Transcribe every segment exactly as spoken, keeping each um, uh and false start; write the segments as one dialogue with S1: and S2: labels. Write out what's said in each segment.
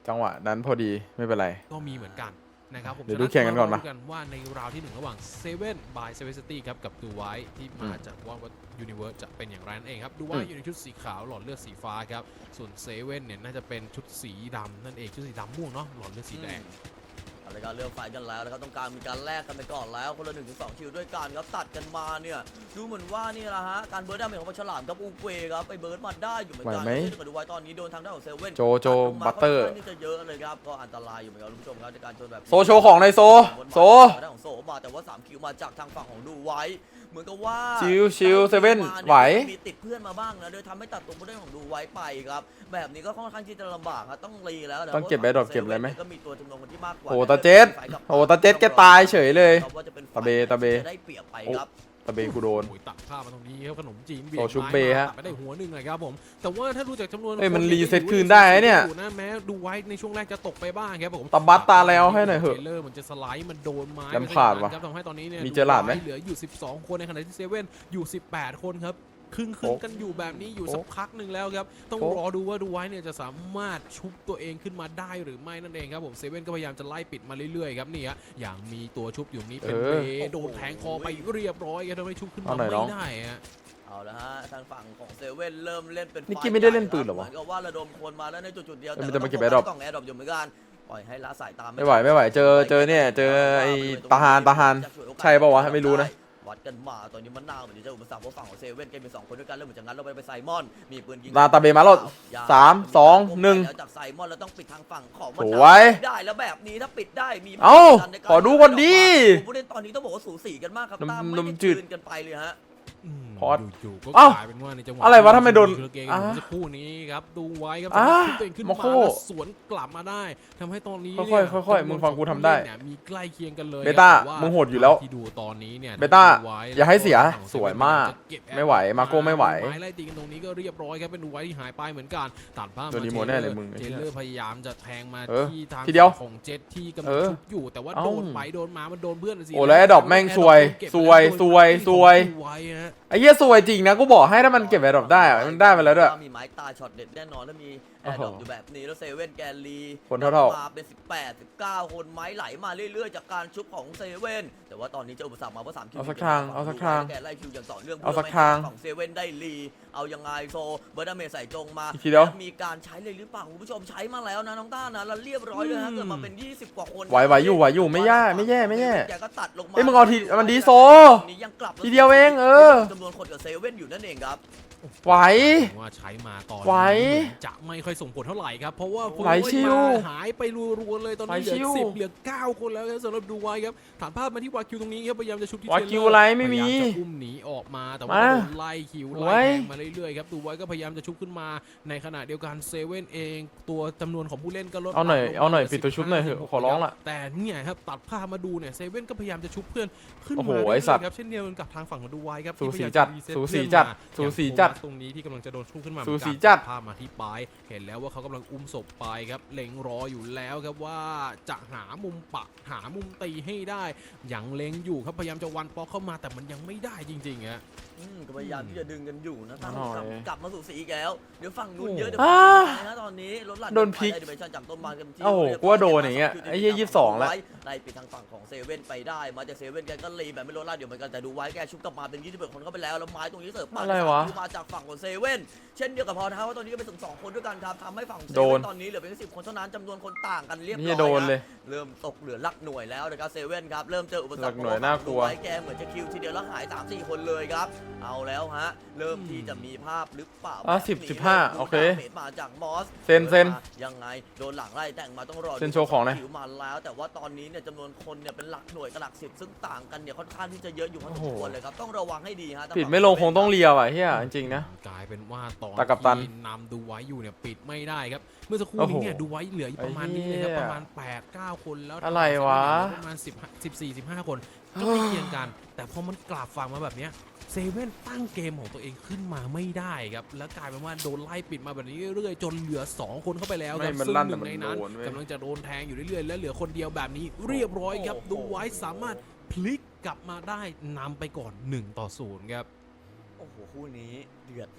S1: จังหวะนั้นพอดีไม่เป็นไร
S2: ก็มีเหมือนกันนะครับผม
S1: เดี๋ยวดูแข่งกันก่อนมา
S2: ดูกันว่าในราวที่หนึ่งระหว่างเซเว่นบายเซเว่นซิตี้ครับกับดูไวที่มาจากว่าว่ายูนิเวิร์สจะเป็นอย่างไรนั่นเองครับดูไวอยู่ในชุดสีขาวหลอดเลือดสีฟ้าครับส่วนเซเว่นเนี่ยน่าจะเป็นชุดสีดำนั่นเองชุดสีดำม่วงเนาะหลอดเลือดสีแดง
S3: อะไรกันเริ่มไฟกันแล้วนะครับต้องการมีการแลกกันไปก่อนแล้วคนละหนึ่งถึงสองคิวด้วยกันครับตัดกันมาเนี่ยดูเหมือนว่านี่แหละฮะการเบิร์ดดาเมจของปลาฉลามกับอูเกวครับไปเบิร์ดมาได้อยู่เหมือนกันที่กระดูไว้ตอนนี้โดนทางด้านของเซเว่น
S1: โจโจบัตเตอร์
S3: นี่จะเยอะเลยครับก็อันตรายอยู่เหมือนกันคุณผู้ชมครับในการชนแบบ
S1: โซโชของในโซโซ
S3: ทางด้านของโซมาแต่ว่าสามคิวมาจากทางฝั่งของดูไว้เหมือนกับว่า
S1: ชิวชิวเซเว่นไหว
S3: มีติดเพื่อนมาบ้างนะโดยทำให้ตัดตัวผู้เล่นของดูไว้ไปครับแบบนี้ก็ค่อนข้างที่จะลำบากครับต้องรีแล้ว
S1: ต้องเก็บแบดดรอปเก็บอะไรไหม
S3: ก็มีตัวจำนวนคนที่มากกว่า
S1: โอ้ตาเจ็ดโอ้ตาเจ็ดแกตายเฉยเลยตาเบตาเบ
S3: ได้เปรียบไปครับ
S1: ตะเบกูโดน
S2: ตัดภาพมาตรงนี้ครับขนมจีนเบีย
S1: ร์ชุบเบฮะ
S2: ไปได้หัวหนึ่งเลยครับผมแต่ว่าถ้าดูจากจำนวน
S1: เอ้ยมันรีเซ็ตคืนได้เนี่ย
S2: นะแม้ดูไว้ในช่วงแรกจะตกไปบ้างครับผม
S1: ตาบัตตาแล้วให้หน่อยเหอะ
S2: เเลอร์มันจะสไลด์มันโดนไม้
S1: ลำขาดว่ะ
S2: ทำให้ตอนนี้เนี่ย
S1: มีเจอหลาดไหม
S2: เหลืออยู่สิบสองคนในขณะที่เซเว่นอยู่สิบแปดคนครับครึ่งครึ่งกันอยู่แบบนี้อยู่สักพักหนึ่งแล้วครับต้องรอดูว่าดูไว้เนี่ยจะสามารถชุบตัวเองขึ้นมาได้หรือไม่นั่นเองครับผมเซเว่นก็พยายามจะไล่ปิดมาเรื่อยๆครับนี่ฮะอย่างมีตัวชุบอยู่นี้เป็นเบโดนแทงคอไปเรียบร้อยครับทำให้ชุบขึ้นมาไม่ได้ฮะ
S3: เอาละฮะทางฝั่งของเซเว่นเริ่มเล่นเป็น
S1: นิกกี้ไม่ได้เล่นปืนหรอวะ
S3: เหมือนกับว่าระดมคนมาแล้วในจุดๆเดียวแต่
S1: จะมาเก็บแอร์ดรอป
S3: ต้องแอร์ดรอปอยู่เหมือนกันปล่อยให้ละสายตา
S1: ไม่ไหวไม่ไหวเจอเจอเนี่ยเจอไอ้ตาฮานตาฮานใช่ป่าววะไม่รู้นะ
S3: วัดกันมาตอนนี้มันน่าเหมือนจะอุปสรรคเพราะฝั่งของเซเว่นเกมเป็นสองคนด้วยกันเริ่มเหมือนจะงั้นเราไปไปไซมอนมีปืนยิง
S1: ลาตาเบมาแล้วสามสองหนึ่ง
S3: จากไซมอนเราต้องปิดทางฝั่งของ
S1: สวย
S3: ได้แล้วแบบนี้ถ้าปิดได้มี
S1: เอ้าขอดูคนดี
S3: ผู้เล่นตอนนี้ต้องบอกว่าสูสีกันมากครับตามไม่ได้จืดกันไปเลยฮะ
S2: พอดอยู่ก็กลายเป็นว่าในจังหวะ
S1: อะไรวะทำไมโดน
S2: สักครู่นี้ครับดูไว้ครับตัวเองขึ้นมาสวนกลับมาได้ทำให้ตอนนี้
S1: ค่อยๆค่อยๆมึงฟังกูทำได้
S2: มีใกล้เคียงกันเลย
S1: เบต้ามึงโหดอยู่แล้ว
S2: ที่ดูตอนนี้เนี่ย
S1: เบต้าอย่าให้เสียสวยมากไม่ไหวมาโก้ไม่ไหว
S2: ไม้ไล่ตีกันตรงนี้ก็เรียบร้อยครับเป็นดูไว้ที่หายไปเหมือนกันตัดภาพมา
S1: ตัวนี้โมแน่เลยมึง
S2: เจเลอร์พยายามจะแทงมาที่ทางของเจ็ตที่กำลังชุบอยู่แต่ว่าโดนไปโดนมามันโดนเพื่อนสิ
S1: โอ้แล้วดอกแม่งซวยซวยซวยซวยไอ้เหี้ยซวยจริงนะกูบอกให้ถ้ามันเก็บแอร์ดรอปได้มันได้มาแล้วด้วย
S3: มีไม้ตาช็อตเด็ดแน่นอนแล้วมีแอร์ดรอปอยู่แบบนี้แล้วเซเว่นแกลลี
S1: คนเท่า
S3: ๆมาเป็นสิบแปด สิบเก้าคนไม้ไหลมาเรื่อยๆจากการชุบของเซเว่นแต่ว่าตอนนี้จะอุปสรรคมาเพราะสามคิว
S1: เอาสักทางเอาสักทาง
S3: แกไล่คิวอย่างต่อเนื่อง
S1: เอาสักทาง
S3: ของเซเว่นได้ลีเอายังไงโซเบอร์ดาเมใส่จงมามีการใช้เลยหรือเปล่าคุณผู้ชมใช้มาแล้วนะน้องต้านะแล้วเรียบร้อยเลยฮะเกิดมาเป็นยี่สิบกว่าคน
S1: ไหวไหวอยู่ไหวอยู่ไม่แย่ไม่แย่ไม่แย่
S3: แกก็ตัดลงมา
S1: เฮ้ยมึงเอาทีมันดีโซทีเดียวเองเออ
S3: จำนวนคนกับเซเว่นอยู่นั่นเองครับ
S1: ไหว
S2: ว่าใช้มาตอน
S1: ไหว
S2: จะไม่ค่อยส่งผลเท่าไหร่ครับเพราะว่า
S1: ไหวชิว
S2: หายไปรัวๆเลยตอนนี้เหลือสิบเหลือเก้าคนแล้วครับสำหรับดูไว้ครับฐานภาพมาที่วาคิวตรงนี้ครับพยายามจะชุบที่
S1: วาคิวอะไรไม่มี
S2: จะอุ้มหนีออกมาแต่ว่าโดนไล่คิวไล่แทงมาเรื่อยๆครับดูไว้ก็พยายามจะชุบขึ้นมาในขณะเดียวกันเซเว่นเองตัวจำนวนของผู้เล่นก็ลด
S1: เอาหน่อยเอาหน่อยปิดตัวชุบหน่อยเถอะขอร้องละ
S2: แต่เนี่ยครับตัดภาพมาดูเนี่ยเซเว่นก็พยายามจะชุบเพื่อนขึ้นมาครับเช่นเดียวกันกับทางฝั่งของดูไว้ครับ
S1: สูสีจัดสูสีจัดสูสีจัด
S2: ตรงนี้ที่กำลังจะโดนชุบขึ้นมา
S1: สูสีจัด
S2: ภาพมาที่ปลายเห็นแล้วว่าเขากำลังอุ้มศพไปครับเล็งรออยู่แล้วครับว่าจะหามุมปะหามุมตีให้ได้อย่างเล็งอยู่ครับพยายามจะวันปอกเข้ามาแต่มันยังไม่ได้จริงๆฮะ
S3: ก็พยายามที่จะดึงกันอยู่นะตั้งกลับมาสู่สีอีกแล้วเดี๋ยวฝั่งนู้นเยอะเดี๋ยวนะตอนนี้รถหลัง
S1: โดนพิก
S3: ดิเมชั่นจับต้นมากันที่
S1: โอ้โหกูว่าโดนอย่างเงี้ยไอ้ยี่ยี่สิบสองแล้ว
S3: ไล่ปิดทางฝั่งของเซเว่นไปได้มาจากเซเว่นแกก็รีแบบไม่ลดละเดี๋ยวเหมือนกันแต่ดูไว้แกชุบกลับมาเป็นยี่สิบเอ็ดคนเข้าไปแล้วแล้วไม้ตรงนี้เสิร์ฟมามาจากฝั่งของเซเว่นเช่นเดียวกับพอท้าว่าตอนนี้ก็เป็นถึงสองคนด้วยกันครับทำให้ฝั่งเซเว่นตอนนี้เหลือเพียงสิบคนเท่านั้นจำนวนคนต่างกันเรียบร้อยเริ่มตกเหลือลักหน่วยแล้วนะครับเซเว่นครับเริ่มเจออุปสรรค
S1: หน่วยน่ากลัว
S3: ไว้แกเหมือนจะคิวทีเดียวแล้วหายสามสี่คนเลยครับเอาแล้วฮะเริ่มที่จะมีภาพหรือเปล่า
S1: อ่ะสิบสิบห้าโอเค
S3: มาจากมอส
S1: เซนเซน
S3: ยังไงโดนหลังไล่แต่งมาต้องรอ
S1: เซนโชว์ของเลย
S3: คิวมาแล้วแต่ว่าตอนนี้เนี่ยจำนวนคนเนี่ยเป็นหลักหน่วยกับหลักสิบซึ่งต่างกันเนี่ยค่อนข้างที่จะเยอะอยู่พอสมควรเลยครับต้องระวังให้ดีฮะ
S1: ปิดไม่ลงคงต้องเลียวอ่ะเฮียจริงๆนะ
S2: กลายเป็นว่าตอน
S1: ที่
S2: นำดูไว้อยู่เนี่ยปิดไม่ได้ครับเมื่อสักครู่นี้เนี่ยดูไว้เหลือประมาณนี้เลยครับประมาณ แปด เก้า คนแล้ว
S1: อะไรวะ
S2: ประมาณสิบ สิบสี่ สิบห้าคนก็ไม่เคียงกันแต่พอมันกลับฝั่งมาแบบเนี้ยเซเว่นตั้งเกมของตัวเองขึ้นมาไม่ได้ครับแล้วกลายเป็นว่าโดนไล่ปิดมาแบบนี้เรื่อยๆจนเหลือสองคนเข้าไปแล้วครับซึ่งหนึ่งในนั้นกำลังจะโดนแทงอยู่เรื่อยๆและเหลือคนเดียวแบบนี้เรียบร้อยครับดูไว้สามารถพลิกกลับมาได้นำไปก่อนหนึ่งต่อศูนย์ครับ
S3: โอ้โหคู่นี้เดือดนะ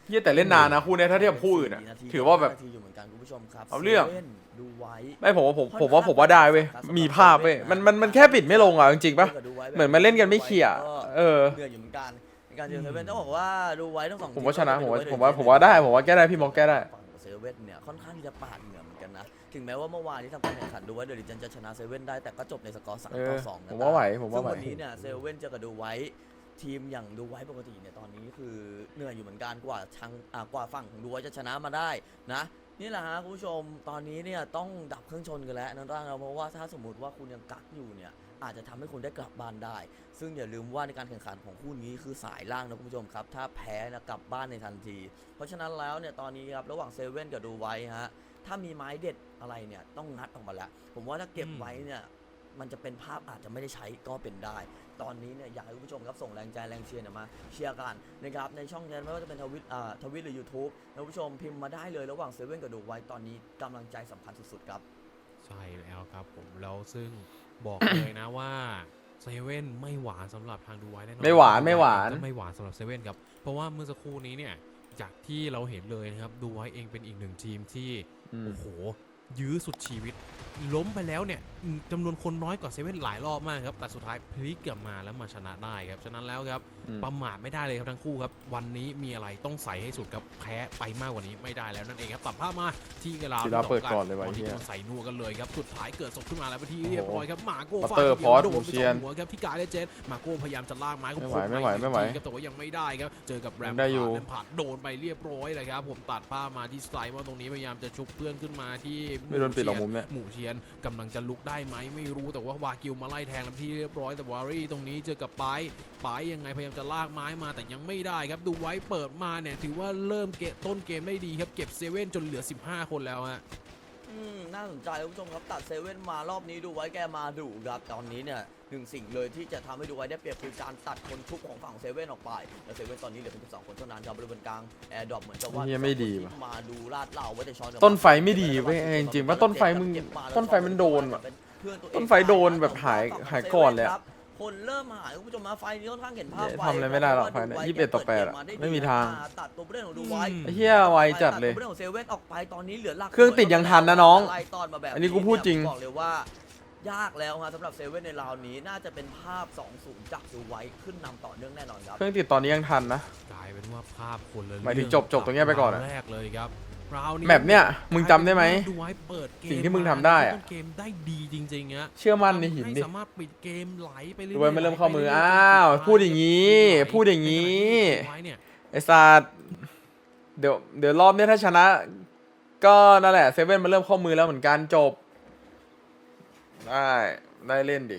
S1: เหี้ยแต่เล่นนานนะคู่เนี้ยถ้าเทียบกับคู่อื่นอะ
S3: นาที
S1: ถือว่าแบบ
S3: นาทีอยู่เหมือนกันคุณผู้ชมครับ
S1: เอาเรื่อง
S3: ซว่นดูไว้
S1: ไม่ผมว่าผมผมว่าผมว่าได้เว้ยมีภาพเว้ยมันมันมันแค่ปิดไม่ลงอ่ะจริงๆปะเหมือนมันเล่นกันไม่เคลียร์เออ
S3: เหนื่อยอยู่เหมือนกันในการเจอเซเว่นต้องบอกว่าดูไว้ทั้งสอง
S1: ผมว่าชนะ
S3: ที
S1: ผมว่า
S3: ดูไ
S1: ผมว่าผมว่าได้ผมว่าแก้ได้พี่มองแก้ได้
S3: ฝั่งของเซเว่นเนี่ยค่อนข้างที่จะปาดเหงื่อเหมือนกันนะถึงแม้ว่าเมื่อวานที่ทำการแข่งขันดูไว้เดลิจันจะชนะเซเว่นได้แต่ก็จบในสกอร์สาม
S1: เอ
S3: ต่
S1: อ
S3: อสองนะ
S1: ผมว่าไหวผมว่า
S3: ซึ่ง
S1: ไหว
S3: วันนี้เนี่ยเซเว่นเจอกับดูไว้ทีมอย่างดูไว้ปกติเนี่ยตอนนี้คือเหนื่อยอยู่เหมือนกันกว่าทางอ่ากว่าฝั่งของดูไว้จะชนะมาได้นะนี่แหละฮะคุณผู้ชมตอนนี้เนี่ยต้องดับเครื่องชนกันแล้วนั่นร่างเราเพราะว่าถ้าสมมติว่าคุณยังกักอยู่เนี่ยอาจจะทำให้คุณได้กลับบ้านได้ ซึ่งอย่าลืมว่าในการแข่งขันของคู่นี้คือสายล่างนะคุณผู้ชมครับถ้าแพ้นะกลับบ้านในทันที เพราะฉะนั้นแล้วเนี่ยตอนนี้ครับระหว่างเซเว่นกับดูไว้ฮะถ้ามีไม้เด็ดอะไรเนี่ยต้องงัดออกมาแล้วผมว่าถ้าเก็บไว้เนี่ยมันจะเป็นภาพอาจจะไม่ได้ใช้ก็เป็นได้ ตอนนี้เนี่ยอยากให้คุณผู้ชมครับส่งแรงใจแรงเชียร์เนี่ยมาเชียร์กันนะครับในช่องแชทไม่ว่าจะเป็นทวิตอ่าทวิตหรือ YouTube นะคุณผู้ชมพิมพ์มาได้เลยระหว่างเซเว่นกับดูไว้ตอนนี้กำลังใจสำคัญสุดๆครับ
S2: ใช่แล้วครับผมแล้วซึ่งบอก เลยนะว่าเซเว่นไม่หวานสำหรับทางดูไว้แน่นอน
S1: ไม่หวานไม่หวาน
S2: ก็ไม่หวานสำหรับเซเว่นครับเพราะว่าเมื่อสักครู่นี้เนี่ยจากที่เราเห็นเลยนะครับดูไว้เองเป็นอีกหนึ่งทีมที่
S1: อืม
S2: โอ้โหยื้อสุดชีวิต ล้มไปแล้วเนี่ยอืมจำนวนคนน้อยกว่าเซเว่นหลายรอบมากครับแต่สุดท้ายพลิกกลับมาแล้วมาชนะได้ครับฉะนั้นแล้วครับ
S1: อืม
S2: ประมาทไม่ได้เลยครับทั้งคู่ครับวันนี้มีอะไรต้องใส่ให้สุดครับแพ้ไปมากกว่านี้ไม่ได้แล้วนั่นเองครับตัดภาพมาที่กลา
S1: ศิลาเปิดก่อนเลยว่ะ
S2: ตอนที่
S1: เหี้ย
S2: โดนใส่นัวกันเลยครับสุดท้ายเกิดศพขึ้นมาแล้วเป็นที่เรียบร้อยครับหมาโก้
S1: ปัต
S2: ฟา
S1: เตอร์
S2: ดทีดียว
S1: พอส
S2: โดน
S1: บู
S2: ไป
S1: เชี
S2: ส
S1: ย
S2: อน งหัวครับที่กายและเจนมาโก้พยายามจะลากไม้ก็
S1: ไม่ไหว
S2: ค
S1: ไม่ไหวไม่ไหว
S2: ครับแต่ว่ายังไม่ได้ครับเจอกับแรม
S1: ได้อยู่
S2: แรมผ่านโดนไปเรียบร้อยเลยครับผมตัดภาพมาที่สไลด์ว่าตรงนี้พยายามจะชุบเพื่อนขึ้นมาที่
S1: ไม่โดนปิดหรอกมุมเนี่ย
S2: หมู่เชียนกำลังจะลุกได้ไหมไม่รู้แต่ว่าวากิวมาไล่แทงแล้วที่เรียบร้อยแต่วารี่ตรงนี้เจอกับไปไปยังไงพยายามจะลากไม้มาแต่ยังไม่ได้ครับดูไว้เปิดมาเนี่ยถือว่าเริ่มเกะต้นเกมได้ดีครับเก็บเซเว่นจนเหลือสิบห้าคนแล้วฮะ
S3: อืมน่าสนใจคุณผู้ชมครับตัดเซเว่นมารอบนี้ดูไว้แกมาดุครับตอนนี้เนี่ยหนึ่งสิ่งเลยที่จะทำให้ดูไว้ได้เปรียบคือการตัดคนชุบของฝั่งเซเว่นออกไปแล้วเซเว่นตอนนี้เหลือเพียงสิบสองคนเท่านั้นครับบริเวณกลางแอร์ดรอปเหมือนจะว่า
S1: เหี้ยไม่ดีว่ะ
S3: มาดูลาดเหล่าไว้แต่ช้อน
S1: ต้นไฟไม่ดีเว้ยจริงๆว่าต้นไฟมึงต้นไฟมันโดนว่ะ ต้นไฟโดนแบบหายหายก่อนเลยอะ
S3: คนเริ่มหายคุณผู้ชมมาไฟนี้ค่อนข้างเห็นภาพ
S1: เนี่ยทำอะไรไม่ได้หรอกไฟเนี่ยยี่สิบเอ็ดต่อแปดอะไม่มีทาง
S3: ตัดตัวผู้เล่นของดูไว้
S1: ไอ้เหี้ยไวจัดเลย
S3: ตัตัวผู้นของเซเว่นออกไปตอนนี้เหลือหลัก
S1: เครื่องติดยังทันนะน้อง
S3: ไล่ตอนมาแบบ
S1: อันนี้กูพูดจริง
S3: บอกเลยว่ายากแล้วฮะสำหรับเซเว่นในราวนี้น่าจะเป็นภาพ สองศูนย์ จากดูไว้ขึ้นนำต่อเนื่องแน่นอนครับ
S1: เครื่องติดตอนนี้ยังทันนะ
S2: กลายเป็นว่าภาพคนละ
S1: หมายถึง
S2: เอ
S1: จบจบตรงเนี้ยไปก่อนอะ
S2: แรกเลยครับราวนี้
S1: แมปเนี่ยมึงจำได้ไหม
S2: ดูไว้เปิดเกม
S1: สิ่งที่มึงทำได้อะ
S2: ต้นเกมได้ดีจริงๆฮะ
S1: เชื่อมั่นในหินดิ
S2: ให้สามารถปิดเกมไหลไปเรื่อย
S1: ดูไว้ไม่เริ่มเข้ามือ
S2: ไหลไปรื่ยๆ
S1: อ้าว
S2: จนสุดท้
S1: พูดอย่างงี้
S2: ไหล
S1: พูดอย่างงี้
S2: ในขณะที่ดูไว้เนี่ย
S1: ไอ้สัตว์เดี๋ยวเดี๋ยวรอบเนี้ยถ้าชนะ ก็นั่นแหละเซเว่นมันเริ่มเข้ามือแล้วเหมือนกันจบ ได้ได้เล่นดิ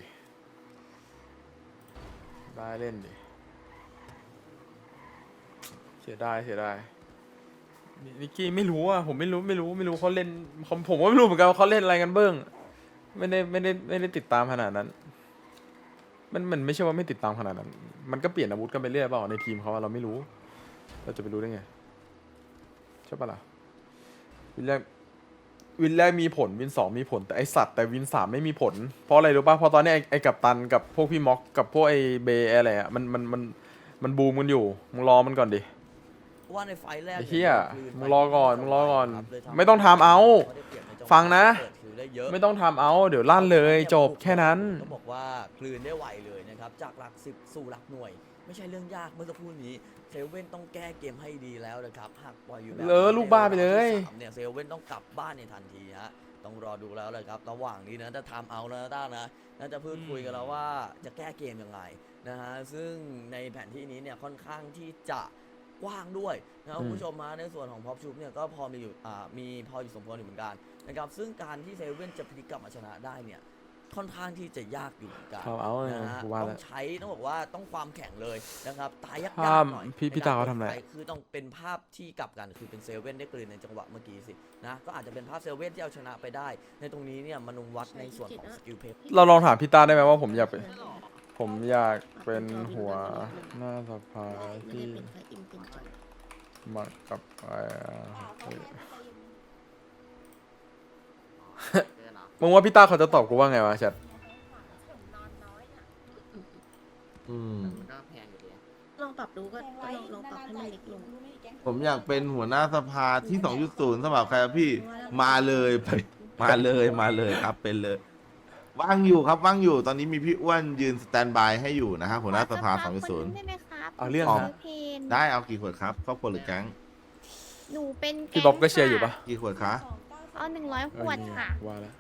S1: ได้เล่นดิ เสียดายเสียดายนินิกกี้ไม่รู้อ่ะผมไม่รู้ไม่รู้ไม่รู้เขาเล่นผมผมก็ไม่รู้เหมือนกันว่าเขาเล่นอะไรกันเบิ้งไม่ได้ไม่ได้ไม่ได้ติดตามขนาดนั้น มันมันไม่ใช่ว่าไม่ติดตามขนาดนั้น มันก็เปลี่ยนอาวุธกันไปเรื่อยเปล่าในทีมเขาอะเราไม่รู้ เราจะไปรู้ได้ไงใช่ปะล่ะวินแรกวินแรกมีผลวินสองมีผลแต่ไอสัตว์แต่วินสามไม่มีผลเพราะอะไรรู้ป่ะเพราะตอนนี้ไอไอกับตันกับพวกพี่ม็อกกับพวกไอเบย์อะไรอะมันมันมันมันบูมกันอยู่มึงรอมันก่อนดิ
S3: ว่าในไฟล์แรก
S1: ไอ้เหี้ยมึงรอก่อนมึงรอก่อน
S3: ครับเลยทำ
S1: ไม่ต้องทำเอา
S3: ได้เปรียบในจัหว
S1: ฟังนะ
S3: เปิดคิวได้เยอะ
S1: ไม่ต้องทำเอาเดี๋ยวลั่นเลยจบแค่นั้น
S3: ต้องบอกว่ากลืนได้ไวเลยนะครับจากหลักสิบสู่หลักหน่วย ไม่ใช่เรื่องยากเมื่อสักครู่นี้เซเว่นต้องแก้เกมให้ดีแล้วนะครับหากปล่อยอยู่แบบ
S1: เลอลูกบ้าไปเลย
S3: ในรอบที่สามเนี่ยเซเว่นต้องกลับบ้านในทันทีฮะต้องรอดูแล้วเลยครับระหว่างนี้นะจะทำเอาแล้วนะต้านะน่าจะพูดคุยกันแล้วว่าจะแก้เกมยังไงนะฮะซึ่งในแผนที่นี้เนี่ยค่อนข้างที่จะกว้างด้วยนะครับคุณผู้ชมมาในส่วนของพ็อปชูปเนี่ยก็พอมีอยู่อ่ามีพออยู่สมควรอยู่เหมือนกันนะครับซึ่งการที่เซเว่นจะพลิกกลับมาชนะได้เนี่ยค่อนข้างที่จะยากอยู่เหมือนกัน
S1: เอาเอาเลย
S3: นะฮะ
S1: กูว่า
S3: ต้
S1: แล้
S3: อ
S1: ว
S3: งใช้ต้องบอกว่าต้องความแข็งเลยนะครับตายยาก
S1: ภาพ
S3: ๆหน่อย
S1: พี่พี่
S3: ในก
S1: ตาเขาทำอะไร
S3: ปคือต้องเป็นภาพที่กลับกันคือเป็นเซเว่นได้กลืนในจังหวะเมื่อกี้สินะก็อาจจะเป็นภาพเซเว่นที่เอาชนะไปได้ ในตรงนี้เนี่ยมนุวัดในส่วนของสกิลเพชร
S1: เราลองถามพี่ตาได้ไหมว่าผมอยากเป็นผมอยากเป็นหัวหน้าสภาที่มากับไอ้มึงว่าพี่ตาเขาจะตอบกูว่าไงวะแชท
S4: อืม
S5: มันก็แพงอยู่ดี
S4: เราปรับดูก็ก็ลองลองปรับให้มันเล็กลง
S5: ผมอยากเป็นหัวหน้าสภาที่ สองจุดศูนย์ สำหรับใครครับพี่มาเลยไปมาเลยมาเลยครับเป็นเลย ว่างอยู่ครับว่างอยู่ตอนนี้มีพี่อ้วนยืนสแตนบายให้อยู่นะครับหัวหน้าสภา สองจุดศูนย์
S6: ได้ไหมครับ
S1: เอาเรื่อง
S5: อ๋อ
S1: นะ
S6: เพน
S5: ได้เอากี่ขวดครับครอบครัวหรือแก๊ง
S6: หนูเป็น
S1: พี่บ๊อบก็เชียร์อยู่ปะ
S5: กี่ขวดคะ
S6: เอาหนึ่งร้อยขวดค่ะ
S1: ว่าแล้ว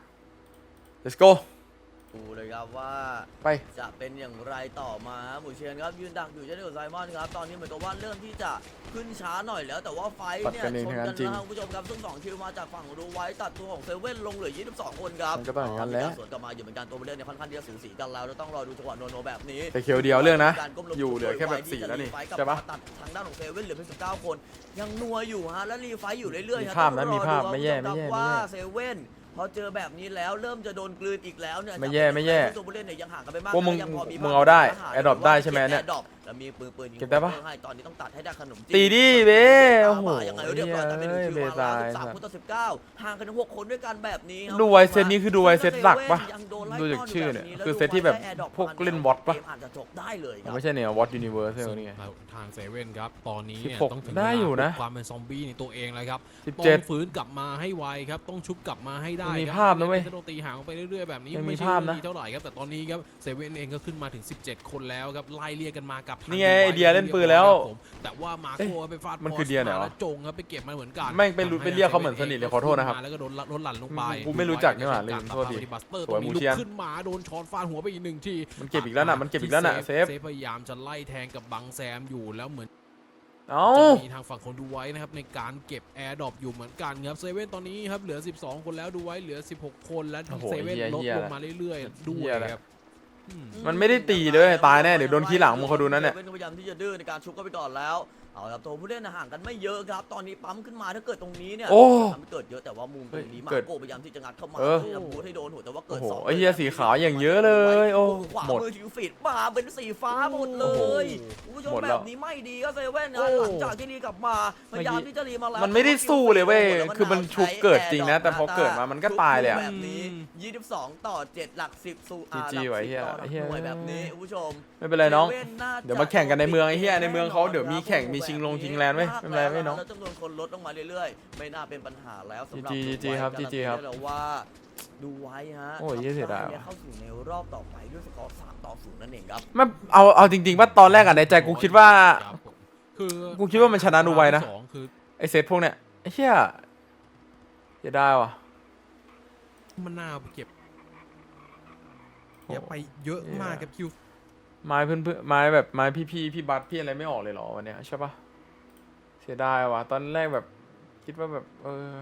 S1: let's go
S3: ดูเลยครับว่า
S1: ไป
S3: จะเป็นอย่างไรต่อมาฮะหมูเชียนครับยืนดักอยู่เช่นเดียวกับไซมอนครับตอนนี้เหมือนกับว่าเริ่มที่จะขึ้นช้าหน่อยแล้วแต่ว่าไฟท์เนี่ย
S1: ตัดกันเอง
S3: ชน
S1: ทั้งนั้
S3: กัน
S1: นจริง
S3: แล้วครับคุณผู้ชมครับซึ่งสองคิวมาจากฝั่งดูไว้ตัดตัวของเซเว่นลงเหลือยี่สิบสองคนครับ
S1: มันก็ต้องอย่างนั้นแหละ
S3: มีการสวนกลับมาอยู่เหมือนกันตัวผู้เล่นเนี่ยค่อนข้างที่จะสูสีกันแล้วแล้วต้องรอดูจังหวะโนโนแบบนี้
S1: แต่เคียวเดียวเรื่องนะ
S3: การก้มลง
S1: อยู่เหลือแค่แบบ
S3: ที่
S1: สี่
S3: จะ
S1: แล้วนี่
S3: รีไฟท์กลับ
S1: ใช่ปะ
S3: มาตัดทางด้านของเซเว่นเหลือเพียงสิบเก้าคนยังนัวอยู่ฮะและรีไฟท์อยู่เรื่อยๆ
S1: มี
S3: ฮะ
S1: ภาพนะ
S3: ต้องรอ
S1: มีภาพ
S3: ดู
S1: ไม่แย่
S3: คุณผู้ช
S1: ไม่แย่
S3: ครับว่า
S1: ไม่แย่
S3: เซเว่นพอเจอแบบนี้แล้วเริ่มจะโดนกลืนอีกแล้วเนี่ย
S1: ไม่แย่ไม่แย่
S3: ตัวผู้เล่นเนี่ยยังห่างกันไปมาก
S1: พวกมึง
S3: ยังพอ
S1: มึงเอาได้
S3: ภพ
S1: Adopt ได้ใช่ไหมเนี่ย
S3: ก็บ Adopt แล้วมีปืนปืนยิง
S1: เก็บได้ปะ
S3: ให้ตอนนี้ต้องตัดให้ได้ขนมจี
S1: ตีดิเบ้โอ้โห
S3: ยังไงเรียบร้อยแต่เป็นหนึ่งคิว
S1: เบ้
S3: มาแล้ว
S1: ตาย
S3: สิบสามคนต่อสิบเก้าห่างกันถึงหกคนด้วยกันแบบนี้ครับ
S1: ดูไวเซตนี้คือดูไวเซตหลักปะ
S3: ยังโดนไล่
S1: ดูจาก
S3: ต้น
S1: ชื่อเนี่ย
S3: แบบ
S1: คือเซตที่แบบ
S3: ล้วดูไว้ได้ Adopt
S1: พวกเล่น Bot ปะ
S3: เกมอาจจะจบได้เลยครับ
S1: ไม่ใช่เนี่ยวอตยูนิเวอร์สนี่ไง
S2: ทางเซเว่นครับ ตอนนี้เนี่ย
S1: สิบหก
S2: ต้องถึง
S1: ได้อยู่นะ
S2: เวลาปลุกความเป็นซอมบี้ในตัวเองเลยครับ
S1: สิบ
S2: ต้
S1: เจ็ด
S2: องฟื้นกลับมาให้ไวครับ ต้องชุบกลับมาให้ได้
S1: ยังมี
S2: ครับ
S1: ภาพนะเว้ย
S2: จะโดนตีห่างออกไปเรื่อยๆแบบนี้
S1: ยังมี
S2: ไม่ใช่
S1: ภาพนะ
S2: ดีเท่าไหร่ครับ แต่ตอนนี้ครับเซเว่นเองก็ขึ้นมาถึง สิบเจ็ด คนแล้วครับ ไล่เรียกกันมากับทา
S1: นี่ไง
S2: ดู
S1: ไอเดียเล่นปืนแล้ว
S2: ครับผมแต่ว่ามาโคไปฟาด
S1: มันคือเดียไหนวะ
S2: แล้วจงครับไปเก็บมันเหมือนกัน
S1: แม่งไปรู้ไปเรียกเขาเหมือนสนิทเลยขอโทษนะครับ
S2: แล้วก็โดนลดหลั่นลงไป
S1: กูไม่รู้จักนี่หว่าลืมโทษที
S2: บัสเตอร์
S1: ส
S2: ต
S1: วย
S2: รงนี้
S1: หมู
S2: ลุ
S1: เชีย
S2: ก
S1: น
S2: ขึ้นมาโดนช้อนฟาดหัวไปอีกหนึ่งที
S1: มันเก็บอีกแล้วน่ะมันเก็บอีกแล้วน่ะ
S2: ที่
S1: เซฟ
S2: เซฟพยายามจะไล่แทงกับบังแซมอยู่แล้วเหมือน
S1: เอ้า
S2: จะมีทางฝั่งคนดูไว้นะครับในการเก็บแอร์ดรอปอยู่เหมือนกันครับเซเว่นตอนนี้ครับเหลือสิบสองคนแล้วดูไว้เหลือสิบหกคนและ
S1: โอ้โห
S2: เซเว่น
S1: เหี้ย
S2: ลด
S1: เหี้ย
S2: ลงมาเรื่อยๆด้ว
S1: เหี้
S2: ย
S1: ยอะไร
S2: ครับอืม
S1: มันไม่ได้ตีเลยตายแน่เดี๋ยวโดนขี้หลังมึงเขาดูนั่นเนี่ย
S3: เซเว่พยายามที่จะดื้อในการชุบก็ไปก่อนแล้วเอาครับตัวผู้เล่นห่างกันไม่เยอะครับตอนนี้ปั๊มขึ้นมาถ้าเกิดตรงนี้เนี่ย
S1: โอ้
S3: ทำให้เกิดเยอะแต่ว่ามุมตรงนี้มา
S1: เกิด
S3: โกพยายามที่จะงัดเข้ามา
S1: เออ
S3: พยายามบูทให้โดนหัวแต่ว่าเกิ
S1: โอ้
S3: ด
S1: โห
S3: สอง
S1: ไอ้เหี้ยสีขาวอย่างเยอะเลยโอ้
S3: ขวา
S1: หมด
S3: มือถือฟีดมาเป็นสีฟ้าหมดเล
S1: โอ้โห
S3: ยคุณผู้ชม
S1: หมด
S3: แบ
S1: แล้ว
S3: บนี้ไม่ดีก็เซเว่น
S1: โอ้
S3: นะหลังจากที่รีกลับมาพยายามที่จะรีมาแล้ว
S1: มันไม่ได้สู้เลยเว้ย
S3: แล้ว
S1: คือมันชุบเกิดจริงนะแต่พอเกิดมามันก็ตายเลยอะ
S3: แบบนี้ยี่สิบสองต่อเจ็ดหลักสิบสู่อา
S1: จี
S3: หลั
S1: ไว้
S3: สิบ
S1: เหี้ย
S3: ต่อหลัก
S1: เหี้ย
S3: หน่วยแบบนี้คุณผู้ชม
S1: ไม่เป็นไรน้อง
S3: ซว่น่าจะ
S1: เดี๋ยวมาแข่งกันในเมืองไอ้เหี้ยในเมืองเขาเดี๋ยวมีแข่งมีชิงลงชิงแลนด์เว้ยไม่เป็นไรเว้ยน้อง
S3: แล้วจำนวนคนลดลงมาเรื่อยๆ ไม่น่าเป็นปัญหาแล้วสำหรับ
S1: จีจีจีครับ
S3: ดูไว้
S1: จีจีครับ
S3: การันตีได้แล้วว่าดูไว้ฮะ
S1: โอ้ยเหี้ยเสียดายว่ะ
S3: เข้าสู่ในรอบต่อไปด้วยสกอร์สามต่อศูนย์นั่นเองครับ
S1: ไม่เอาเอาจริงๆว่าตอนแรกอะในใจกูคิดว่า
S2: ครับผมคือ
S1: กูคิดว่ามันชนะดูไว้นะ
S2: สองคือ
S1: ไอเซตพวกเนี้ยไอ้เหี้ยจะได้ว่ะ
S2: มันน่าไปเก็บเก็บไปเยอะมากครับคิว
S1: ไม้เพื่อนเพื่อนไม้แบบไม้พี่พี่พี่บัตพี่อะไรไม่ออกเลยเหรอวันเนี้ยใช่ปะเสียดายว่ะตอนแรกแบบคิดว่าแบบเออ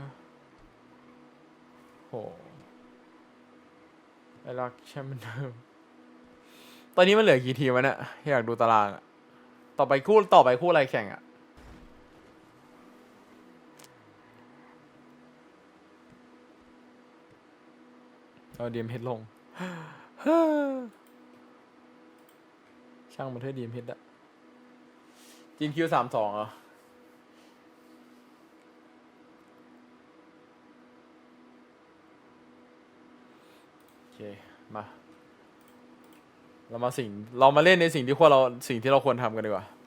S1: โหไอรักแชมป์เหมือนเดิมตอนนี้มันเหลือกี่ทีมวะเนี่ยอยากดูตารางอะต่อไปคู่ต่อไปคู่อะไรแข่งอะเอาดีเอ็มเพชรลง ช่างมันเถอะดีมเพชรอะจีนคิวสามสองเหรอโอเค มา เรามาสิ่ง เรามาเล่นในสิ่งที่ควรเราสิ่งที่เราควรทำกันดีกว่า